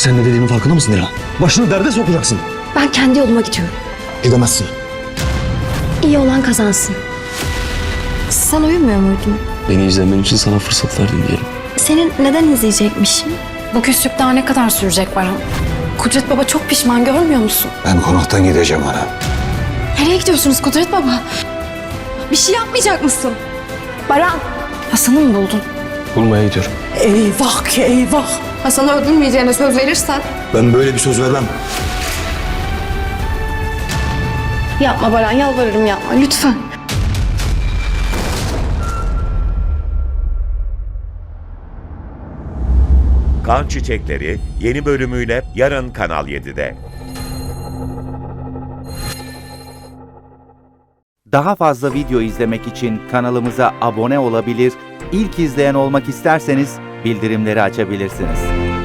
Sen ne dediğinin farkında mısın Dilan? Başını derde sokacaksın. Ben kendi yoluma gidiyorum. Gidemezsin. İyi olan kazansın. Sen uyumuyor muydun? Beni izlemen için sana fırsat verdim diyelim. Senin neden izleyecekmişim? Bu küslük daha ne kadar sürecek Baran? Kudret Baba çok pişman, görmüyor musun? Ben konaktan gideceğim ana. Nereye gidiyorsunuz Kudret Baba? Bir şey yapmayacak mısın? Baran! Hasan'ı mı buldun? Bulmaya gidiyorum. Eyvah ki eyvah! Hasan'ı öldürmeyeceğine söz verirsen... Ben böyle bir söz vermem. Yapma Baran, yalvarırım yapma lütfen. Kan Çiçekleri yeni bölümüyle yarın Kanal 7'de. Daha fazla video izlemek için kanalımıza abone olabilir, ilk izleyen olmak isterseniz bildirimleri açabilirsiniz.